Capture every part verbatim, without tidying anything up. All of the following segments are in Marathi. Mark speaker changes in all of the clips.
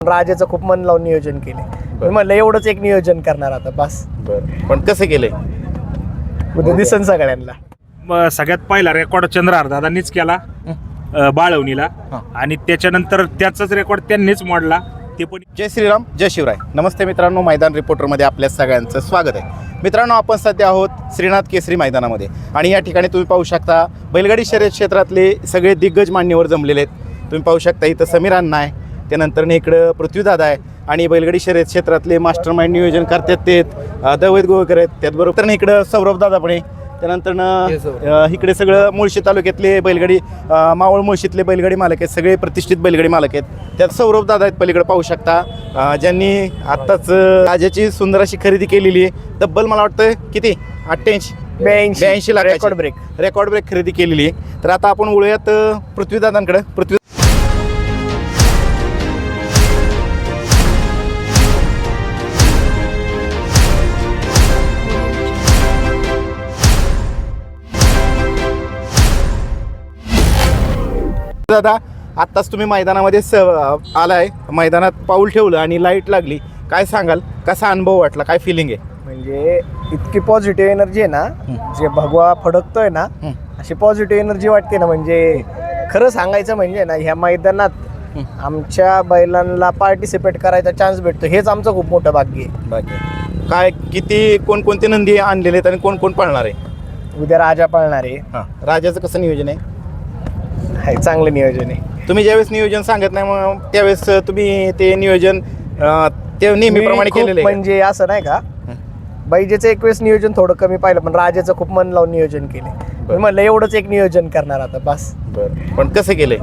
Speaker 1: राजाचं खूप मन लावून नियोजन केले. मी म्हणलं एवढंच एक नियोजन करणार आता बस.
Speaker 2: बरं, पण कसं केलंय
Speaker 1: उद्या दिसन सगळ्यांना.
Speaker 3: म सगळ्यात पहिला रेकॉर्ड चंद्रहार दादांनीच केला अ, बाळवणीला
Speaker 2: हां.
Speaker 3: आणि त्याच्यानंतर त्याचाच रेकॉर्ड त्यांनीच मोडला. ते पण
Speaker 2: जय श्रीराम, जय शिवराय. नमस्ते मित्रांनो, मैदान रिपोर्टरमध्ये आपल्या सगळ्यांचं स्वागत आहे. मित्रांनो, आपण सध्या आहोत श्रीनाथ केसरी मैदानामध्ये आणि या ठिकाणी तुम्ही पाहू शकता बैलगाडी शर्यत क्षेत्रातले सगळे दिग्गज मान्यवर जमलेले आहेत. तुम्ही पाहू शकता इथं समीर अण्णा आहे, त्यानंतर इकडं पृथ्वीदादा आहे आणि बैलगाडी शर्यत क्षेत्रातले मास्टर माइंड नियोजन करतात ते दैवत गोवेकर आहेत. त्याचबरोबर इकडं सौरभ दादा पण आहे. त्यानंतर इकडे सगळं मुळशी तालुक्यातले बैलगाडी मावळ मुळशीतले बैलगाडी मालक आहेत, सगळे प्रतिष्ठित बैलगाडी मालक आहेत. त्यात सौरभ दादा आहेत पलीकडे पाहू शकता, ज्यांनी आत्ताच राजाची सुंदर अशी खरेदी केलेली आहे. तब्बल मला वाटतं किती अठ्ठ्याऐंशी
Speaker 1: ब्याऐंशी
Speaker 2: ब्याऐंशी lakh
Speaker 1: record break
Speaker 2: record break खरेदी केलेली आहे. तर आता आपण वळूयात पृथ्वीदादांकडे. पृथ्वी दादा, आत्ताच तुम्ही मैदानामध्ये स आलाय, मैदानात पाऊल ठेवलं आणि लाईट लागली. काय सांगाल, कसा अनुभव वाटला, काय फिलिंग आहे?
Speaker 1: म्हणजे इतकी पॉझिटिव्ह एनर्जी आहे ना, जे भगवा फडकतोय ना अशी पॉझिटिव्ह एनर्जी वाटते ना. म्हणजे खरं सांगायचं म्हणजे ना, ह्या मैदानात आमच्या बैलांना पार्टिसिपेट करायचा चान्स भेटतो, हेच आमचं खूप मोठं भाग्य आहे.
Speaker 2: बाकी काय किती कोणकोणते नंदी आणलेले आहेत आणि कोण कोण पाळणार आहे?
Speaker 1: उद्या राजा पाळणार आहे.
Speaker 2: हां, राजाचं कसं नियोजन आहे?
Speaker 1: हे चांगलं नियोजन आहे.
Speaker 2: तुम्ही ज्यावेळेस नियोजन सांगत नाही मग त्यावेळेस तुम्ही ते नियोजन अं, ते नेहमीप्रमाणे
Speaker 1: मी खूप
Speaker 2: केलेलं आहे?
Speaker 1: म्हणजे असं नाही का, बैजेचं एक वेळेस नियोजन थोडं कमी पाहिलं, पण राजाचं खूप मन लावून नियोजन केले. मी म्हणलं एवढंच एक नियोजन करणार आता बस.
Speaker 2: बरं, पण कसं केलंय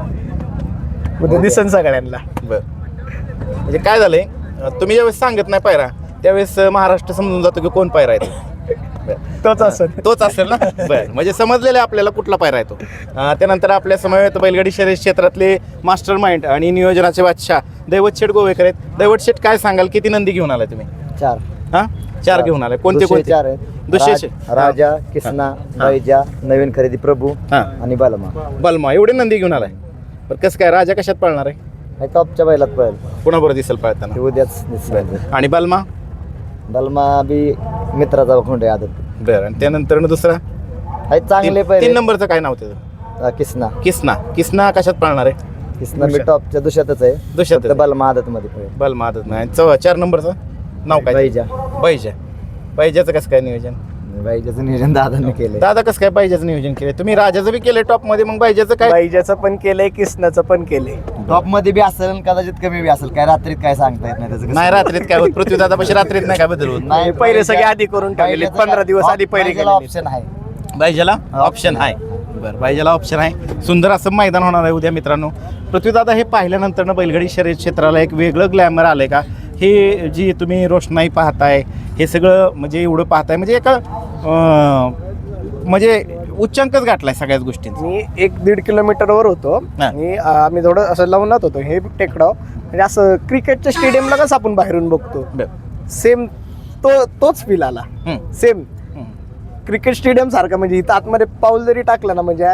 Speaker 1: उद्या दिसन सगळ्यांना.
Speaker 2: बरं, म्हणजे काय झालंय, तुम्ही ज्यावेळेस सांगत नाही पायरा त्यावेळेस महाराष्ट्र समजून जातो की कोण पायरा आहे तो.
Speaker 1: तोच असेल
Speaker 2: तोच असेल ना. बरं, म्हणजे समजलेलं आहे आपल्याला कुठला पायरा येतो. त्यानंतर आपल्या समवेत बैलगाडी शर्यत क्षेत्रातले मास्टर माइंड आणि नियोजनाचे बादशाह दैवत शेठ गोवेकर आहेत. दैवत शेठ, काय सांगाल, किती नंदी घेऊन आलाय तुम्ही?
Speaker 4: चार
Speaker 2: हा चार घेऊन आलाय. कोणते कोणते?
Speaker 4: चार आहेत.
Speaker 2: दुसरे
Speaker 4: राज- राजा, किसना, बैजा, नवीन खरेदी प्रभू
Speaker 2: हां,
Speaker 4: आणि बालमा.
Speaker 2: बलमा, एवढे नंदी घेऊन आलाय. बरं, कसं काय, राजा कशात पळणार आहे?
Speaker 4: हे टॉपच्या बैलात पळेल,
Speaker 2: कोणाबरोबर दिसेल पळताना?
Speaker 4: ते उद्याच दिसेल.
Speaker 2: आणि बलमा?
Speaker 4: बालमा बी मित्राचा खोंड आहे आदत.
Speaker 2: बरं, आणि त्यानंतर दुसरा
Speaker 4: हे चांगले
Speaker 2: तीन
Speaker 4: पहिले.
Speaker 2: तीन नंबरचं काय नाव त्याचं?
Speaker 4: अं, किसना
Speaker 2: किसना. किसना कशात पळणार आहे?
Speaker 4: किसना बी टॉपच्या दुशातच आहे.
Speaker 2: दुशातच
Speaker 4: फक्त
Speaker 2: आहे.
Speaker 4: बालमा आदत मध्ये पळेल.
Speaker 2: बलमा आदत नाही. चौ चार नंबरचं नाव काय?
Speaker 4: बैजा.
Speaker 2: बैजा. बैजाचं कसं काय नियोजन?
Speaker 4: बैजाचं नियोजन दादांनी केलंय.
Speaker 2: दादा कसं काय बैजाचं नियोजन केलं? तुम्ही राजाचं बी केलंय टॉप मध्ये, मग बैजाचं काय?
Speaker 1: बैजाचं पण केलंय, किसनाचं पण केलंय.
Speaker 4: टॉप मध्ये बी असेल आणि कदाचित कमी बी असेल, काय रात्रीत काय सांगता येत नाही त्याचं कसं.
Speaker 2: नाही रात्रीत काय होत? पृथ्वी दादा पाशी रात्रीत नाही काय बदल होत?
Speaker 4: नाही,
Speaker 1: पहिले सगळे आधी करून टाकलेले,
Speaker 4: बैजाचं
Speaker 1: पंधरा दिवस
Speaker 4: काय-
Speaker 1: आधी पहिले
Speaker 4: बैजाला
Speaker 1: केलेले.
Speaker 4: ऑप्शन आहे.
Speaker 2: बैजाला ऑप्शन आहे. बरं, बैजाला ऑप्शन आहे. सुंदर असं मैदान होणार आहे उद्या मित्रांनो. पृथ्वीदादा, हे पाहिल्यानंतर बैलगाडी शर्यत क्षेत्राला एक वेगळं ग्लॅमर आलंय का? हे जी तुम्ही रोषणाई पाहताय, हे सगळं म्हणजे एवढं पाहताय, म्हणजे एका अं, म्हणजे उच्चांकच गाठलाय सगळ्याच गोष्टींचा.
Speaker 1: मी एक दीड किलोमीटरवर होतो
Speaker 2: हा.
Speaker 1: आणि अं, आम्ही थोडं असं लावूनात होतो, हे टेकडाव म्हणजे असं क्रिकेटच्या स्टेडियमला कसं आपण बाहेरून बघतो,
Speaker 2: बरं.
Speaker 1: सेम तो तोच फील आला.
Speaker 2: हं.
Speaker 1: सेम
Speaker 2: हं.
Speaker 1: क्रिकेट स्टेडियम सारखा. म्हणजे इथं आतमध्ये पाऊल जरी टाकलं ना, म्हणजे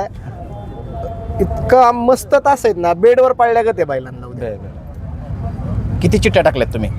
Speaker 1: इतका मस्त तास आहेत ना, बेडवर पाळल्यागत आहे बैलांना उद्या.
Speaker 2: बरं, बरं. किती चिठ्ठ्या टाकल्यात तुम्ही?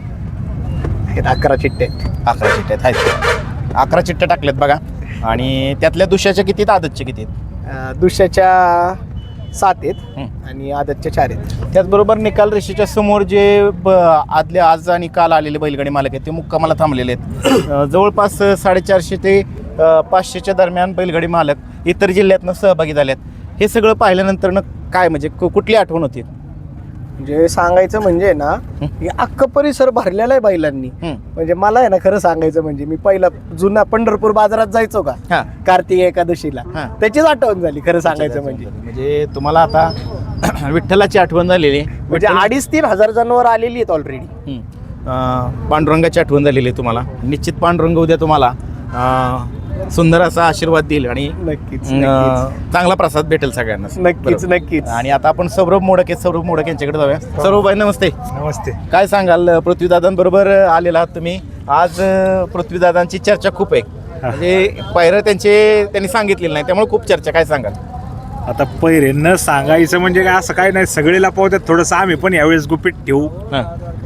Speaker 1: आहेत अकरा चिट्टे आहेत.
Speaker 2: अकरा चिठ्ठ्या आहेत. अकरा चिठ्ठ्या टाकल्यात बघा. आणि त्यातल्या दुसऱ्याच्या किती आहेत, आदतच्या किती आहेत?
Speaker 1: अं, दुसऱ्याच्या सात आहेत
Speaker 2: हं.
Speaker 1: आणि आदतच्या चार आहेत.
Speaker 2: त्याचबरोबर निकाल रेषेच्या समोर जे ब आदले आज आणि काल आलेले बैलगाडी मालक आहेत ते मुक्कामाला थांबलेले आहेत. अं, जवळपास साडेचारशे ते अं, पाचशेच्या दरम्यान बैलगाडी मालक इतर जिल्ह्यातनं सहभागी झाले आहेत. हे सगळं पाहिल्यानंतर काय म्हणजे कु- कुठली आठवण होती?
Speaker 1: म्हणजे सांगायचं म्हणजे ना, हे अख्खा परिसर भरलेला आहे बैलांनी.
Speaker 2: हं.
Speaker 1: म्हणजे मला आहे ना, खरं सांगायचं म्हणजे मी पहिला जुना पंढरपूर बाजारात जायचो का
Speaker 2: हां,
Speaker 1: कार्तिक एकादशीला,
Speaker 2: हां.
Speaker 1: त्याचीच आठवण झाली खरं सांगायचं म्हणजे.
Speaker 2: म्हणजे तुम्हाला आता विठ्ठलाची आठवण झालेली आहे.
Speaker 1: म्हणजे
Speaker 2: विठ्ठल-
Speaker 1: अडीच तीन हजार जनावर आलेली आहेत ऑलरेडी.
Speaker 2: हं. अं, पांडुरंगाची आठवण झालेली आहे तुम्हाला. निश्चित पांडुरंग उद्या तुम्हाला अं, सुंदर असा आशीर्वाद देईल आणि
Speaker 1: नक्कीच
Speaker 2: अं,
Speaker 1: नक्कीच
Speaker 2: चांगला प्रसाद भेटेल सगळ्यांना.
Speaker 1: नक्कीच
Speaker 2: बरोबर.
Speaker 1: नक्कीच.
Speaker 2: आणि आता आपण सौरभ मोडक आहेत, सौरभ मोडक यांच्याकडे जाऊया. सौरभ भाई, नमस्ते.
Speaker 3: नमस्ते.
Speaker 2: काय सांगाल, पृथ्वीदादांबरोबर आलेला आहात तुम्ही आज? पृथ्वीदादांची चर्चा खूप आहे, म्हणजे पायरं त्यांचे त्यांनी सांगितलेलं नाही, त्यामुळे खूप चर्चा. काय सांगाल?
Speaker 3: आता पहिरे न सांगायचं म्हणजे काय असं काय नाही, सगळे लपवतात. थोडंसं आम्ही पण यावेळेस गुपित ठेवू
Speaker 2: हां.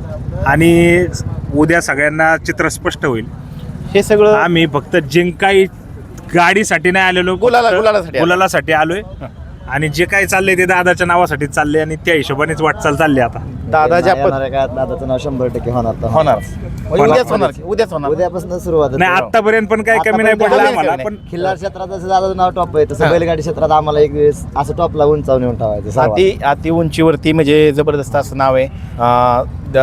Speaker 3: आणि उद्या सगळ्यांना चित्र स्पष्ट होईल.
Speaker 2: हे सगळं
Speaker 3: आम्ही फक्त जिंकाई गाडीसाठी नाही आलेलो, फक्त
Speaker 2: गुलाला- गुलालासाठी आलो.
Speaker 3: गुलालासाठी आलोय. आणि जे काही चाललंय ते दादाच्या नावासाठी चाललंय आणि त्या हिशोबानेच वाटचाल चालली आता.
Speaker 2: दादाच्या पद
Speaker 4: येणाऱ्या काळात दादाचं नाव शंभर टक्के होणार तर
Speaker 2: होणार म्हणजे उद्याच होणार की? उद्याच होणार
Speaker 4: उद्यापासून सुरुवात
Speaker 3: नाही आतापर्यंत पण काही कमी नाही
Speaker 4: आतापर्यंत
Speaker 3: पडलं
Speaker 2: कमी
Speaker 3: आम्हाला.
Speaker 2: नाही.
Speaker 3: पण
Speaker 4: खिल्लार क्षेत्रात जसं दादाचं नाव टॉप आहे तसं
Speaker 2: हा.
Speaker 4: बैलगाडी क्षेत्रात आम्हाला एक वेळेस असं टॉपला उंचावून येऊन ठेवायचं सर्वात.
Speaker 2: अति अति उंचीवरती म्हणजे जबरदस्त असं नाव आहे. अं,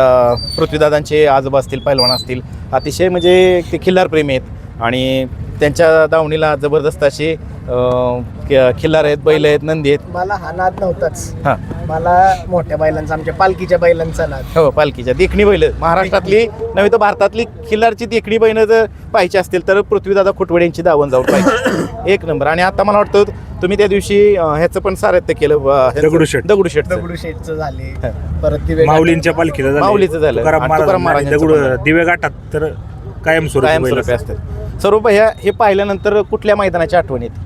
Speaker 2: द- पृथ्वीदादांचे आजोबा असतील, पैलवान असतील, अतिशय म्हणजे ते खिल्लार प्रेमी आहेत आणि त्यांच्या दावणीला जबरदस्त असे अं, ख- खिल्लार आहेत, बैल आहेत, नंदी आहेत.
Speaker 1: मला हा नाद नव्हताच.
Speaker 2: हां
Speaker 1: मला मोठ्या बैलांचा, आमच्या पालखीच्या बैलांचा नाद.
Speaker 2: हो, पालखीच्या देखणी बैल महाराष्ट्रातली नव्हे तर भारतातली खिल्लारची देखणी बैल जर पाहिजे असतील तर पृथ्वीदादा खुटवडे यांची दावण जाऊन पाहिजे. एक नंबर. आणि आता मला वाटतं तुम्ही त्या दिवशी अं, ह्याचं पण सारथ्य केलं, अं, ह्याचं-
Speaker 3: दगडूशेठ.
Speaker 2: दगडूशेठ
Speaker 1: दगडूशेठचं झाले,
Speaker 2: हा.
Speaker 1: परत दिवे
Speaker 3: माऊलींच्या पालखीला झालंय.
Speaker 2: माऊलीचं झालं.
Speaker 3: तुकाराम
Speaker 2: आणि तुकाराम
Speaker 3: महाराज
Speaker 2: महाराजांचं
Speaker 3: दगड
Speaker 2: पण झालं.
Speaker 3: दिवे गाठात तर कायमस्वरूपी बैल
Speaker 2: कायमस्वरूपी
Speaker 3: असतात.
Speaker 2: असतात. सर्व भैया हे पाहिल्यानंतर कुठल्या मैदानाची आठवण येते?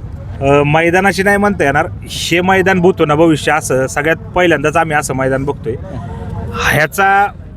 Speaker 3: अ, मैदानाची नाही म्हणता येणार, हे मैदान बघतो ना भविष्य, असं सगळ्यात पहिल्यांदाच आम्ही असं मैदान बघतोय. ह्याचा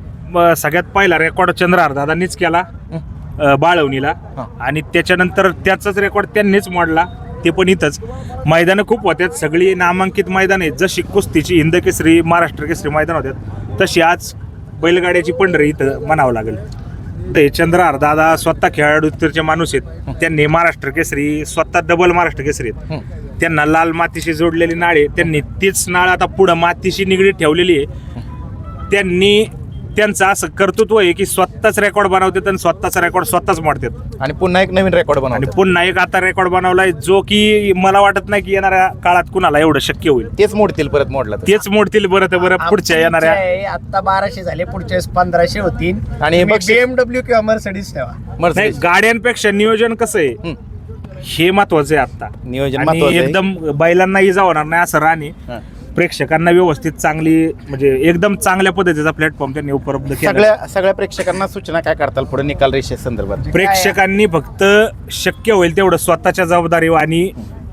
Speaker 3: अ, सगळ्यात पहिला रेकॉर्ड चंद्रहार दादांनीच केला अ, बाळवणीला
Speaker 2: हा.
Speaker 3: आणि त्याच्यानंतर त्याचाच रेकॉर्ड त्यांनीच मोडला, ते पण इथंच. मैदानं खूप होत्यात, सगळी नामांकित मैदान आहेत. जशी कुस्तीची हिंद केसरी, महाराष्ट्र केसरी मैदान होत्यात, तशी आज बैलगाड्याची पंढरी इथं म्हणावं लागेल. ते चंद्रहार दादा स्वतः खेळाडूचे माणूस आहेत. त्यांनी महाराष्ट्र केसरी, स्वतः डबल महाराष्ट्र केसरी आहेत. त्यांना लाल मातीशी जोडलेली नाळ आहे, त्यांनी तीच नाळ आता पुढं मातीशी निगडीत ठेवलेली आहे. त्यांनी त्यांचं असं कर्तृत्व आहे की स्वतःच रेकॉर्ड बनवतात आणि स्वतःचा रेकॉर्ड स्वतःच मोडतात.
Speaker 2: आणि पुन्हा एक नवीन रेकॉर्ड
Speaker 3: आणि
Speaker 2: बनवतात.
Speaker 3: पुन्हा एक आता रेकॉर्ड बनवलाय जो की मला वाटत नाही की येणाऱ्या काळात कुणाला एवढं शक्य होईल.
Speaker 2: तेच मोडतील परत मोडला तर.
Speaker 3: तेच मोडतील बरं तर बरं पुढच्या येणाऱ्या.
Speaker 1: आता बाराशे झाले, पुढच्या वेळेस पंधराशे होतील.
Speaker 2: आणि बक्षीस-
Speaker 1: बीएमडब्ल्यू किंवा मर्सिडीज ठेवा.
Speaker 3: नाही,
Speaker 2: मर्सिडीज.
Speaker 3: गाड्यांपेक्षा नियोजन कसं आहे
Speaker 2: हं.
Speaker 3: हे महत्वाचं आहे आता.
Speaker 2: नियोजन
Speaker 3: आणि
Speaker 2: महत्वाचं आहे.
Speaker 3: एकदम बैलांना इजा होणार नाही असं राहणे,
Speaker 2: हां.
Speaker 3: प्रेक्षकांना व्यवस्थित चांगली म्हणजे एकदम चांगल्या पद्धतीचा प्लॅटफॉर्म त्यांनी उपलब्ध केला.
Speaker 2: सगळ्या सगळ्या प्रेक्षकांना सूचना काय करताल पुढे निकाल रेषे संदर्भात?
Speaker 3: प्रेक्षकांनी फक्त शक्य होईल तेवढं स्वतःच्या जबाबदारी आणि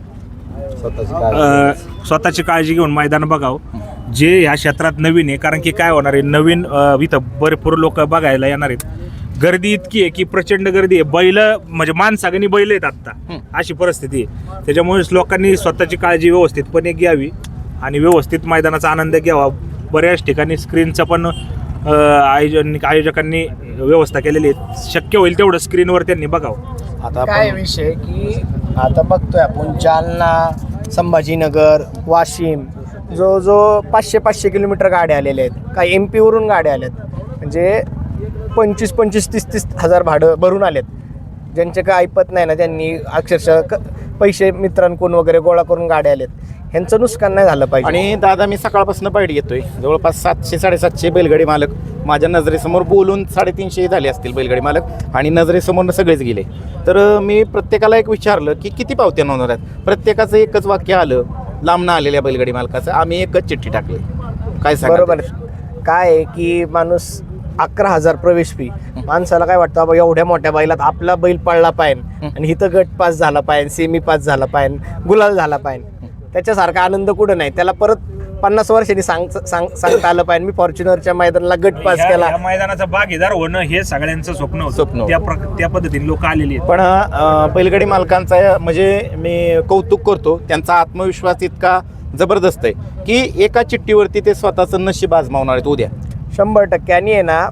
Speaker 4: स्वतःची काळजी.
Speaker 3: अ, स्वतःची काळजी घेऊन मैदान बघावं जे ह्या क्षेत्रात नवीन आहे. कारण की काय होणार आहे, नवीन अ, इथं भरपूर लोक बघायला येणार आहेत. गर्दी इतकी आहे की प्रचंड गर्दी आहे. बैल म्हणजे माणसागणी बैल आहेत आत्ता,
Speaker 2: हं. अशी
Speaker 3: अशी परिस्थिती आहे. त्याच्यामुळे लोकांनी स्वतःची काळजी व्यवस्थितपणे घ्यावी आणि व्यवस्थित मैदानाचा आनंद घ्यावा. बऱ्याच ठिकाणी स्क्रीनचं पण अ, आयोजन आयोजकांनी व्यवस्था केलेली आहे. शक्य होईल तेवढं स्क्रीनवर त्यांनी बघावं.
Speaker 2: आता
Speaker 1: काय
Speaker 2: आपण
Speaker 1: विषय की आता बघतोय आपण जालना, संभाजीनगर, वाशिम, जो जो पाचशे पाचशे किलोमीटर गाड्या आलेल्या आहेत. काही एम पीवरून गाड्या आल्यात, म्हणजे पंचवीस पंचवीस तीस तीस हजार भाडं भरून आलेत. ज्यांचे काय ऐपत नाही ना, त्यांनी अक्षरशः क पैसे मित्रांकडून वगैरे गोळा करून गाड्या आलेत. ह्यांचं नुकसान नाही झालं पाहिजे.
Speaker 2: आणि दादा मी सकाळपासून बाईट घेतोय, जवळपास सातशे साडेसातशे बैलगाडी मालक माझ्या नजरेसमोर बोलून साडेतीनशे झाले असतील बैलगाडी मालक आणि नजरेसमोर सगळेच गेले. तर अं, मी प्रत्येकाला एक विचारलं की किती पावत्या नोंदवणार आहेत. प्रत्येकाचं एकच वाक्य आलं, लांबनं आलेल्या बैलगाडी मालकाचं, आम्ही एकच चिठ्ठी टाकली. काय सांगा?
Speaker 1: बरोबर काय आहे की माणूस अकरा हजार प्रवेश फी, माणसाला काय वाटतं बाबा एवढ्या मोठ्या बैलात आपला बैल पळला पाहिजे आणि इथं गट पास झाला पाहिजे, सेमी पास झाला पाहिजे, गुलाल झाला पाहिजे. त्याच्यासारखा आनंद कुठं नाही. त्याला परत पन्नास वर्षांनी सांग सांग सांगता आलं पाहिजे मी फॉर्च्युनरच्या मैदानाला गट पास
Speaker 3: ह्या-
Speaker 1: केला.
Speaker 3: ह्या मैदानाचा भागीदार होणं हे सगळ्यांचं स्वप्न होतं.
Speaker 2: स्वप्न होतं.
Speaker 3: त्या प्र- त्या पद्धतीने लोक आलेली आहेत.
Speaker 2: पण अं, बैलगाडी मालकांचा म्हणजे मी कौतुक करतो, त्यांचा आत्मविश्वास इतका जबरदस्त आहे की एका चिठ्ठीवरती ते स्वतःचं नशीब आजमावणार आहेत उद्या.
Speaker 1: शंभर टक्के. आणि आहे ना,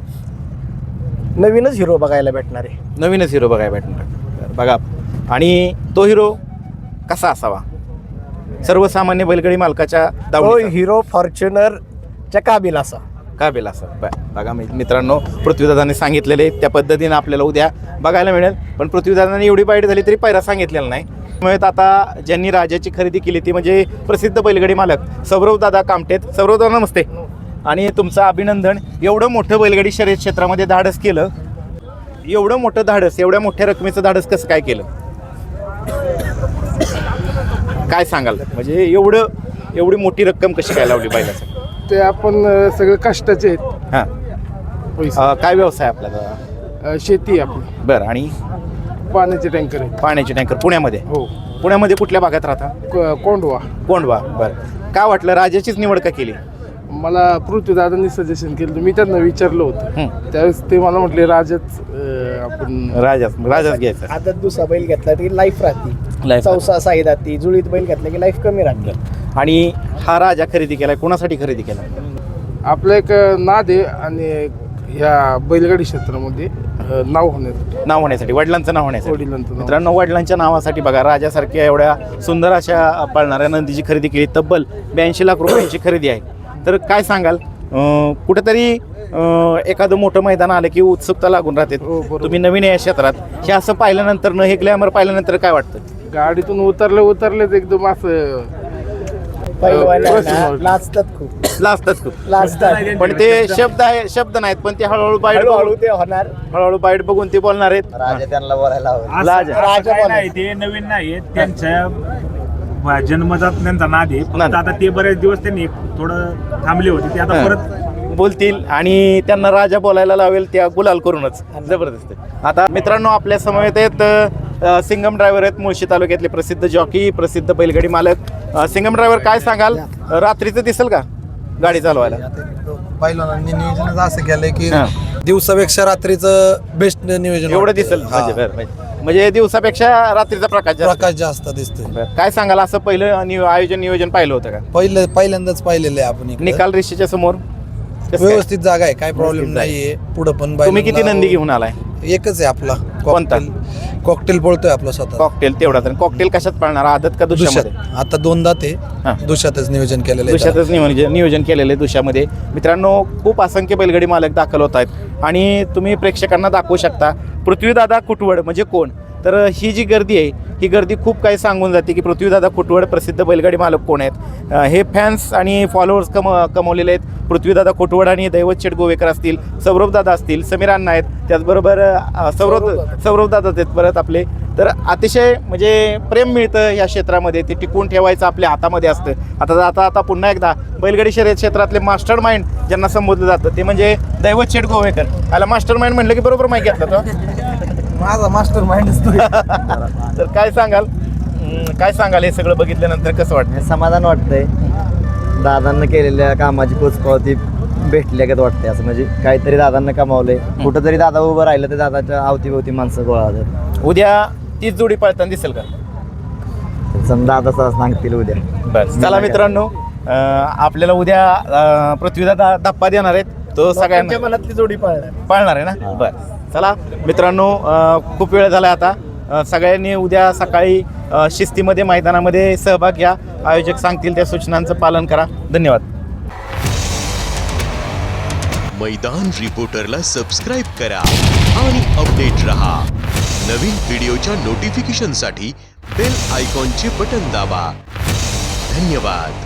Speaker 1: नवीनच हिरो बघायला भेटणार आहे.
Speaker 2: नवीनच हिरो बघायला भेटणार बघा. आणि तो हिरो कसा असावा? सर्वसामान्य बैलगाडी मालकाच्या
Speaker 1: तो
Speaker 2: दावणीचा
Speaker 1: हिरो फॉर्च्युनरच्या काबिल असा.
Speaker 2: काबिल असा. ब- बघा मी- मित्रांनो, पृथ्वीदादांनी सांगितलेले त्या पद्धतीने आपल्याला उद्या बघायला मिळेल. पण पृथ्वीदादांनी एवढी बाईट झाली तरी पायरा सांगितलेला नाही. त्यामुळे आता ज्यांनी राजाची खरेदी केली ती म्हणजे प्रसिद्ध बैलगाडी मालक सौरव दादा कामटेत. सौरव दादा नमस्ते आणि तुमचं अभिनंदन. एवढं मोठं बैलगाडी शर्यत क्षेत्रामध्ये धाडस केलं, एवढं मोठं धाडस, एवढ्या मोठ्या रकमेचं धाडस कसं काय केलं? काय सांगाल? म्हणजे एवढं एवढी मोठी रक्कम कशी काय लावली बैलासाठी?
Speaker 5: ते आपण अ, सगळं कष्टाचे आहेत.
Speaker 2: हां.
Speaker 5: पैसे
Speaker 2: अं, काय व्यवसाय आपला?
Speaker 5: अ, शेती आहे आपली,
Speaker 2: बरं. आणि
Speaker 5: पाण्याचे टँकर आहेत.
Speaker 2: पाण्याचे टँकर पुण्यामध्ये?
Speaker 5: हो.
Speaker 2: पुण्यामध्ये कुठल्या भागात राहता?
Speaker 5: क- कोंडवा.
Speaker 2: कोंडवा. बरं, काय वाटलं राजाचीच निवड का केली?
Speaker 5: मला पृथ्वीदादांनी सजेशन केलं होतं. मी त्यांना विचारलं होतं
Speaker 2: हं.
Speaker 5: त्यावेळेस ते मला म्हटले राजाच अं, आपण
Speaker 2: राजाच राजाच घ्यायचा.
Speaker 1: आता दुसरा बैल घेतला की लाईफ राहते,
Speaker 2: Life
Speaker 1: चौसा साई राहते, जुळीत बैल घेतला की लाईफ कमी राहते.
Speaker 2: आणि हा राजा खरेदी केलाय, कोणासाठी खरेदी केला?
Speaker 5: आपलं एक नाद आहे आणि ह्या बैलगाडी क्षेत्रामध्ये अं, नाव होण्यासाठी,
Speaker 2: नाव होण्यासाठी, वडिलांचं नाव होण्यासाठी.
Speaker 5: वडिलांचं नाव.
Speaker 2: मित्रांनो, वडिलांच्या नावासाठी बघा राजासारख्या एवढ्या सुंदर अशा पळणाऱ्या नंदीची खरेदी केली. तब्बल ब्याऐंशी लाख रुपयांची खरेदी आहे. तर काय सांगाल, अं, कुठेतरी अं, एखादं मोठं मैदान आलं की उत्सुकता लागून राहते.
Speaker 5: हो, बरोबर.
Speaker 2: तुम्ही नवीन आहे या क्षेत्रात, हे असं पाहिल्यानंतर न हे ग्लॅमर पाहिल्यानंतर काय वाटतं?
Speaker 5: गाडीतून उतरले उतरलेच एकदम असं
Speaker 1: पहिलवानांना लाजतात खूप,
Speaker 2: लाजतात खूप,
Speaker 1: लाजतात.
Speaker 2: पण ते शब्द आहे, शब्द नाहीत, पण ते हळूहळू बाईट
Speaker 1: हळूहळू
Speaker 2: बघून
Speaker 1: ते होणार.
Speaker 2: हळूहळू बाईट बघून ते बोलणार आहेत.
Speaker 4: राजा त्यांना बोलायला हवं.
Speaker 3: असं-
Speaker 2: लाज-
Speaker 3: असं
Speaker 1: राजा
Speaker 3: काय
Speaker 1: बोला.
Speaker 3: नाही, ते नवीन नाही त्यांच्या ब- जन्मजात त्यांचा नाद आहे. फक्त
Speaker 2: नाद.
Speaker 3: आता ते बरेच दिवस त्यांनी थोडं थांबले होते, ते आता
Speaker 2: हां.
Speaker 3: परत
Speaker 2: बोलतील आणि त्यांना राजा बोलायला लावेल त्या गुलाल करूनच. जबरदस्त आहे. आता मित्रांनो, आपल्या समवेत आहेत अ, सिंगम ड्रायव्हर आहेत, मुळशी तालुक्यातले प्रसिद्ध जॉकी, प्रसिद्ध बैलगाडी मालक. अ, सिंगम ड्रायव्हर, काय सांगाल, रात्रीचं दिसेल का गाडी चालवायला?
Speaker 6: पहिल्यांदा नियोजन असं केलंय की
Speaker 2: हां.
Speaker 6: दिवसापेक्षा रात्रीचं बेस्ट नियोजन
Speaker 2: एवढं
Speaker 6: वाटतंय.
Speaker 2: दिसेल
Speaker 6: हा.
Speaker 2: म्हणजे बरं, म्हणजे- म्हणजे दिवसापेक्षा रात्रीचा प्रकाश जास्त.
Speaker 6: प्रकाश जास्त दिसतोय.
Speaker 2: बरं. काय सांगाल, असं पहिलं नि- आयोजन नियोजन पाहिलं होतं का?
Speaker 6: पहिलं पहिल्यांदाच पाहिलेलं आहे आपण इकडं.
Speaker 2: निकाल रेषेच्या समोर कसं काय?
Speaker 6: व्यवस्थित जागा आहे, काय प्रॉब्लेम
Speaker 2: व्यवस्थित जागा
Speaker 6: नाहीये. पुढं पण
Speaker 2: तुम्ही किती
Speaker 6: बैलांना-
Speaker 2: नंदी घेऊन आलाय?
Speaker 6: एकच आहे आपला
Speaker 2: कोणता?
Speaker 6: कॉकटेल पळतोय आपला स्वतः
Speaker 2: कॉकटेल तेवढा. तर कॉकटेल कशात पाळणार, आदत का दुशामध्ये?
Speaker 6: दुष्यात आता दोनदा ते
Speaker 2: हां.
Speaker 6: दुष्यातच नियोजन केलेलं आहे.
Speaker 2: दुशातच नियोजन नियोजन केलेलं आहे दुशामध्ये. मित्रांनो, खूप असंख्य बैलगाडी मालक दाखल होत आहेत आणि तुम्ही प्रेक्षकांना दाखवू शकता पृथ्वीदादा कुटवड म्हणजे कोण. तर ही जी गर्दी आहे, ही गर्दी खूप काही सांगून जाते की पृथ्वीदादा कुटवड प्रसिद्ध बैलगाडी मालक कोण आहेत. अं, हे फॅन्स आणि फॉलोअर्स कम कमवलेले आहेत. पृथ्वीदादा कुटवड आणि दैवत शेठ गोवेकर असतील, सौरभदादा असतील, समीर अण्णा आहेत, त्याचबरोबर अं, सौरभ सौरभदादा आहेत परत आपले. तर अतिशय म्हणजे प्रेम मिळतं या क्षेत्रामध्ये, ते टिकवून ठेवायचं आपल्या हातामध्ये असतं. आता आता आता पुन्हा एकदा बैलगाडी शर्यत क्षेत्रातले मास्टर माइंड ज्यांना संबोधलं जातं ते म्हणजे दैवत शेठ गोवेकर. याला मास्टर माइंड म्हणलं की बरोबर माहिती घेतलं तो.
Speaker 6: माझा मास्टर माइंड
Speaker 2: तर काय सांगाल, हम्म, काय सांगाल हे सगळं बघितल्यानंतर कसं वाटतं?
Speaker 4: समाधान वाटतंय. दादांना केलेल्या कामाची पोचपावती भेटल्या का वाटते. असं म्हणजे काहीतरी दादांना कमावलंय. कुठं जरी दादा उभं राहिलं तर दादाच्या अवतीभोवती माणसं गोळा होतात.
Speaker 2: उद्या तीच जोडी पळताना दिसेल का?
Speaker 4: समजा दादा सांगतील उद्या.
Speaker 2: बस चला मित्रांनो, अं, आपल्याला उद्या अं, पृथ्वीदादा धप्पा देणार आहेत. तो
Speaker 1: लोकांच्या
Speaker 2: सगळ्यांना
Speaker 1: मनातली जोडी पाळणार.
Speaker 2: पाळणार आहे ना. बरं, चला मित्रांनो, अं, खूप वेळ झाला आता. अं, सगळ्यांनी उद्या सकाळी अं, शिस्तीमध्ये मैदानामध्ये सहभाग घ्या. आयोजक सांगतील त्या सूचनांचं पालन करा. धन्यवाद.
Speaker 7: मैदान रिपोर्टरला सबस्क्राइब करा आणि अपडेट रहा. नवीन व्हिडिओच्या नोटिफिकेशनसाठी बेल आयकॉनचे बटन दाबा. धन्यवाद.